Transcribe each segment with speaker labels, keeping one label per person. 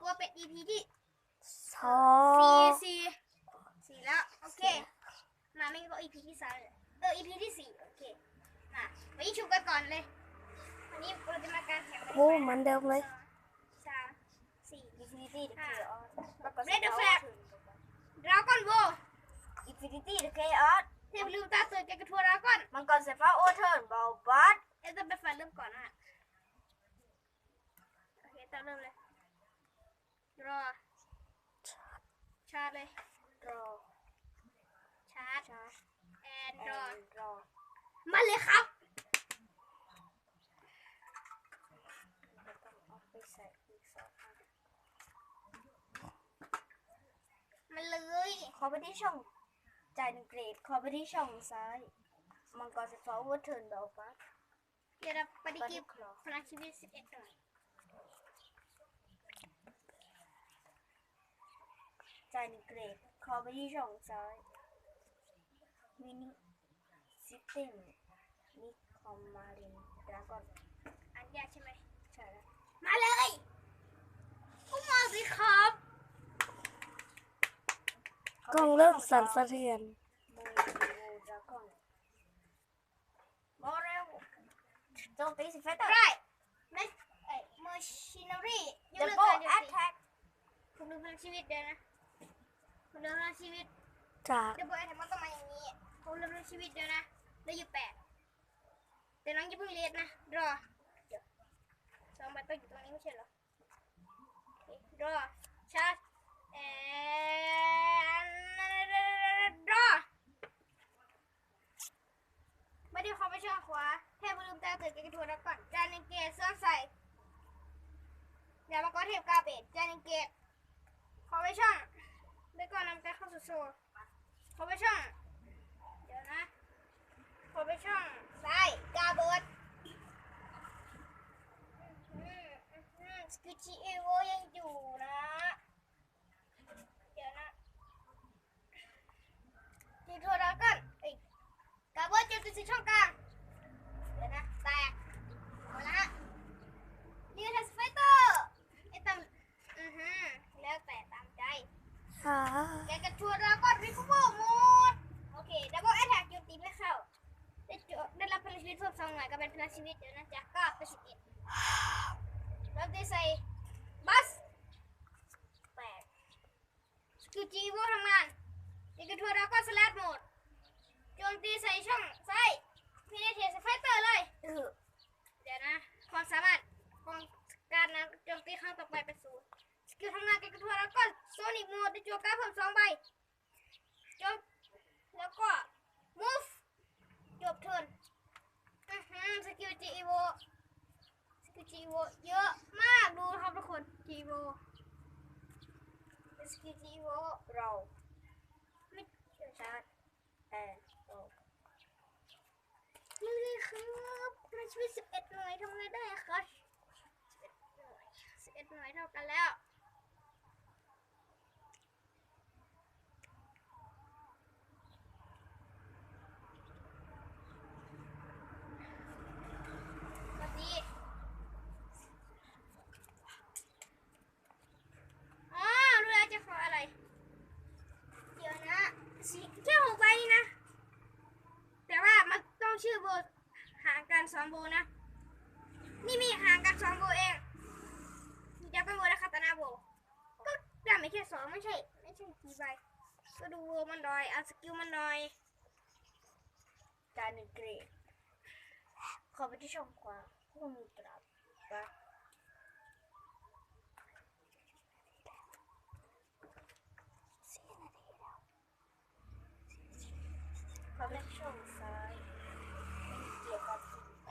Speaker 1: ว่าเป็น EP ที่
Speaker 2: สอง
Speaker 1: สี่แล้วโอเคมาไม่ก็ EP ที่3EP ที่4โอเคมาวันนี้ชุบกันก่อนเลยวันนี้เราจะมาการแข่ง
Speaker 2: โอ้เหมือนเดิมเลย
Speaker 1: 3 4
Speaker 3: Infinity เดอะ Chaos
Speaker 1: เรดเดอร์แฟลกดราก้อนโว
Speaker 3: Infinity เดอะ Chaos
Speaker 1: เทพลืมตาตื่นแกกระทัวดราก้อน
Speaker 3: มังกรสายฟ้าโอเทิร์นบอลบัส
Speaker 1: จะเป็นฟันเริ่มก่อนนะโอเคตามเริ่มเลยรอชาร์จเลย
Speaker 3: รอ
Speaker 1: ชาร์จ
Speaker 3: ชาร์จ
Speaker 1: แอนรอ
Speaker 3: รอ
Speaker 1: มาเลยครับ
Speaker 3: แล้วต้องเอาไปใส่อีก2 อัน
Speaker 1: มาเลย
Speaker 3: ขอไปที่ช่องจ่าย1 เกรดขอไปที่ช่องซ้ายมังกรสายฟ้าโอเทิร์นบอลบัส
Speaker 1: เดี๋ยวเราปฏิกิริยาพลังชีวิต11หน่อย
Speaker 3: จ่าย1 เกรดขอไปที่ช่องซ้ายมินิซิสเต็มนิคอมมารินดราก้อน
Speaker 1: อันยากใช่ไหม
Speaker 3: ใช่แล้ว
Speaker 1: มาเลยก็มาสิครับ
Speaker 2: กล้องเริ่มสั่นสะเทือน
Speaker 3: โมดราก้อนบอลเร็วโจมตีสิเฟเตอร์
Speaker 1: ได้เมอร์ชินารียก
Speaker 3: ดับ
Speaker 1: เลิก
Speaker 3: เบิล
Speaker 1: การโจ
Speaker 3: แอ
Speaker 1: ม
Speaker 3: ต
Speaker 1: ตี
Speaker 3: แท็ก
Speaker 1: คุณดูพลังชีวิตเดี๋ยวนะคุณดูพลังชีวิต
Speaker 2: จาก
Speaker 1: เดี๋ยวบอกไอ้ทำมันต้องมาอย่างนี้คุณดูพลังชีวิตเดี๋ยวนะได้อยู่8แต่น้องอย่าเพิ่งเลียดนะรอเดี๋ยว2 ใบต้องอยู่ตรงนี้ไม่ใช่เหรอโอเครอชาร์จแอนรอไม่ได้เข้าไปช่องขวาเทพลืมตาตื่นแกกระทัวแล้วก่อนจานหนึ่งเกตเสื้อใส่อย่ามาก็เทพกาเบดจานหนึ่งเกตเข้าไปช่องแล้วก็นำการเข้าสู่โซ่เข้าไปช่องเดี๋ยวนะเข้าไปช่องซ้ายกาเบิดสกิจิเอโวยังอยู่นะเดี๋ยวนะจีทัวแล้วกันกาเบิดจะติดช่องกลางเดี๋ยวนะแตกหมดละฮะนี่คือสไฟเตอร์ไอ้ตำแล้วแต่ตามใจ
Speaker 2: ค่ะ
Speaker 1: แกกระชัวแล้วก็รีคูเวอร์หมดโอเคดับเบิลแอทแทกโจมตีไม่เข้าได้รับพลังชีวิตเพิ่ม2 หน่วยก็เป็นพลังชีวิตเดี๋ยวนะจาก9เป็น11แล้วได้ใส่บัส8สกิลจีโวทำงานแกกระชัวแล้วก็สลัดโหมดโจมตีใส่ช่องซ้ายพีเนเทียสไฟเตอร์เลยเดี๋ยวนะความสามารถของการนะโจมตีครั้งต่อไปเป็น0สกิลทำงานแกกระชัวแล้วก็โซนิกโหมดได้จั่วการ์ดเพิ่ม2 ใบจบแล้วก็ move จบเทิร์นสกิลจีโวเยอะมากดูครับทุกคนจีโวสกิลจีโว
Speaker 3: เรา
Speaker 1: ไม่เชื่อ
Speaker 3: ชาร์จแอนโอ
Speaker 1: เลยครับพลังชีวิต11 หน่วยทำไงได้ครับ11 หน่วยเท่ากันแล้วรู้แล้วจะขออะไรเดี๋ยวนะแค่6 ใบนี่นะแต่ว่ามันต้องชื่อโบห่างกัน2 โบนะนี่มีห่างกัน2 โบเองจะเป็นโบและคาตานาโบก็ได้ไม่แค่2ไม่ใช่กี่ใบก็ดูโบมันหน่อยเอาสกิลมันหน่อย
Speaker 3: จ่าย1 เกรดขอไปที่ช่องขวาคู่มือตราบบัสขอไปที่ช่องซ้ายเกี่ยวกับ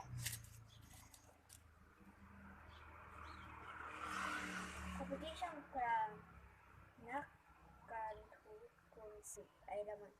Speaker 3: ขอไปที่ช่องกลางนักการทูตกรุงศรีไอรามัน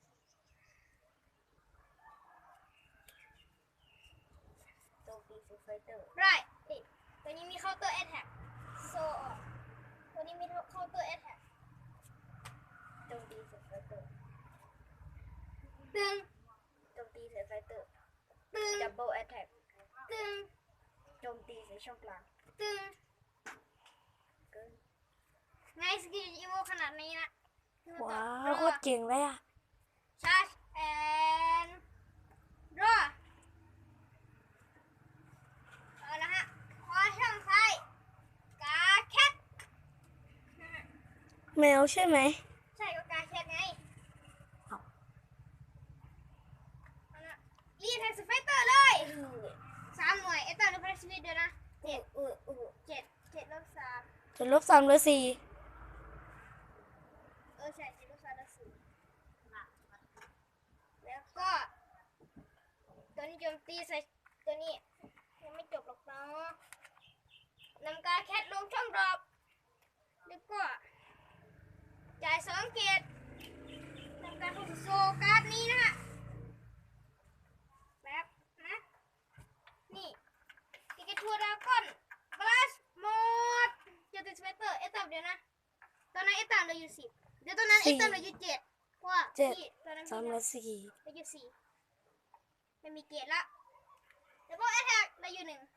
Speaker 3: โจมตีไฟเตอร์
Speaker 1: ไรตัวนี้มีเคาน์เตอร์แอทแทกโซตัวนี้มีเคาน์เตอร์แอทแทก
Speaker 3: โจมตีไฟเตอร์
Speaker 1: ตึง
Speaker 3: โจมตีใส่ไฟเตอร์
Speaker 1: ตึง
Speaker 3: ดับเบิลแอตแทก
Speaker 1: ตึง
Speaker 3: โจมตีใส่ช่องกลาง
Speaker 1: ตึง
Speaker 3: เกิน
Speaker 1: สกิลอีโวขนาดนี้นะ
Speaker 2: ว้าวโคตรเก่งเลยอ่ะ
Speaker 1: ชาร์จแอนรอเอาละฮะขอช่องซ้ายกาแคท
Speaker 2: แมวใช่ไหม
Speaker 1: ใช่ก็กาแคทไง
Speaker 2: เอา
Speaker 1: เอาละรีแท็กสไฟเตอร์เลย3 หน่วยเอตเตอร์หรือพลัสมิดเดี๋ยวนะ7 7 ลบ 3
Speaker 2: จะ-3หรือ4
Speaker 1: ใช่7 ลบ 3 ลบ 4แล้วก็ตัวนี้โจมตีใส่ตัวนี้ยังไม่จบหรอกเนาะนำกาแคทลงช่องดรอปแล้วก็จ่าย2 เกตนำการเข้าสู่โซการ์ดนี้นะฮะแบบนะนี่ติกทัวร์ดราก้อนบลัสโหมดเจอติสเปเตอร์เอตับเดี๋ยวนะตอนนั้นเอตับเราอยู่10เดี๋ยวตอนนั้นเอตับเราอยู่7ว่าพี่ตอนนั้น
Speaker 2: 3ห
Speaker 1: พี่
Speaker 2: รือ
Speaker 1: เราอยู่4ไม่มีเกตละแล้วก็แอทแทกเราอยู่1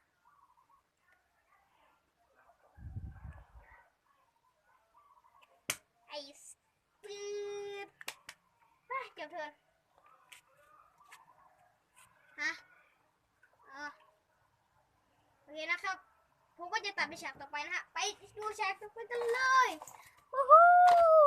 Speaker 1: ไอ้ปืดเก็บเถินฮะอ๋อโอเคนะครับผมก็จะตัดไปฉากต่อไปนะฮะไปดูฉากต่อไปกันเลยวู้ฮู้